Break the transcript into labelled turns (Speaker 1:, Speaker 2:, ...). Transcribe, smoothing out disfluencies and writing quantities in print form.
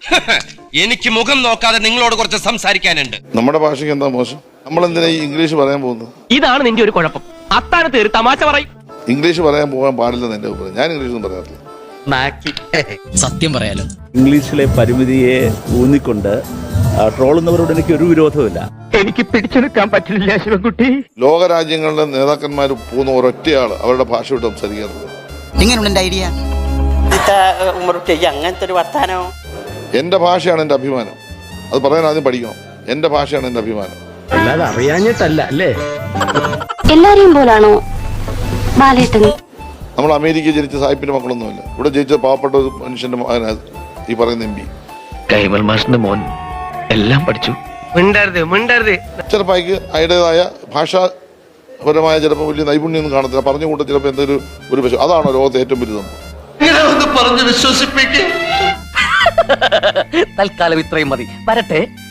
Speaker 1: എനിക്ക് മുഖം നോക്കാതെ നിങ്ങളോട് കുറച്ച് സംസാരിക്കാനുണ്ട്.
Speaker 2: നമ്മുടെ ഭാഷയ്ക്ക് എന്താ മോശം? നമ്മളെന്തിനാ ഈ ഇംഗ്ലീഷ് പറയാൻ പോകുന്നത്?
Speaker 3: ഇതാണ് നിന്റെ ഒരു കുഴപ്പം. അത്താഴത്ത് ഒരു തമാശ പറയും.
Speaker 2: ഇംഗ്ലീഷ് പറയാൻ പോകാൻ പാടില്ലെന്ന് എന്റെ അഭിപ്രായം. ഞാൻ ഇംഗ്ലീഷ് ഒന്നും പറയാറില്ല.
Speaker 4: സത്യം പറയാലോ,
Speaker 5: ഇംഗ്ലീഷിലെ പരിമിതിയെ ഊന്നിക്കൊണ്ട് ട്രോളുന്നവരോട് എനിക്ക് ഒരു വിരോധമില്ല.
Speaker 3: എനിക്ക് പിടിച്ചെടുക്കാൻ പറ്റില്ല ശിവൻകുട്ടി.
Speaker 2: ലോകരാജ്യങ്ങളുടെ നേതാക്കന്മാർ പോകുന്ന ഒരൊറ്റയാള് അവരുടെ ഭാഷ വിട്ട് സംസാരിക്കാറുണ്ട്.
Speaker 4: എങ്ങനെയുണ്ട് ഐഡിയ?
Speaker 6: അങ്ങനത്തെ ഒരു വർത്താനോ?
Speaker 2: എന്റെ ഭാഷയാണ് എന്റെ അഭിമാനം. അത് പറയാൻ ആദ്യം പഠിക്കണം. എന്റെ ഭാഷയാണ് എന്റെ അഭിമാനം.
Speaker 3: അല്ലാതെ അറിയാഞ്ഞിട്ടല്ല അല്ലേ?
Speaker 7: എല്ലാരെയും പോലാണോ ബാലേട്ടൻ?
Speaker 2: നമ്മൾ അമേരിക്കയിൽ ജനിച്ച സാഹിബിന്റെ മക്കളൊന്നുമില്ല. ഇവിടെ ജയിച്ച പാവപ്പെട്ട ഒരു മനുഷ്യന്റെ മകനാണ് ഈ പറയുന്ന MP.
Speaker 3: കൈമൽ മാഷിന്റെ മോൻ എല്ലാം പഠിച്ചു.
Speaker 2: ചിലപ്പോൾ അയക്ക് അതിൻ്റെതായ ഭാഷാപരമായ ചിലപ്പോൾ വലിയ നൈപുണ്യമൊന്നും കാണത്തില്ല. പറഞ്ഞു കൂട്ട ചിലപ്പോൾ എന്തെങ്കിലും ഒരു പക്ഷേ അതാണോ ലോകത്തെ ഏറ്റവും വലിയ സംഭവം.
Speaker 4: തൽക്കാലം ഇത്രയും മതി. വരട്ടെ.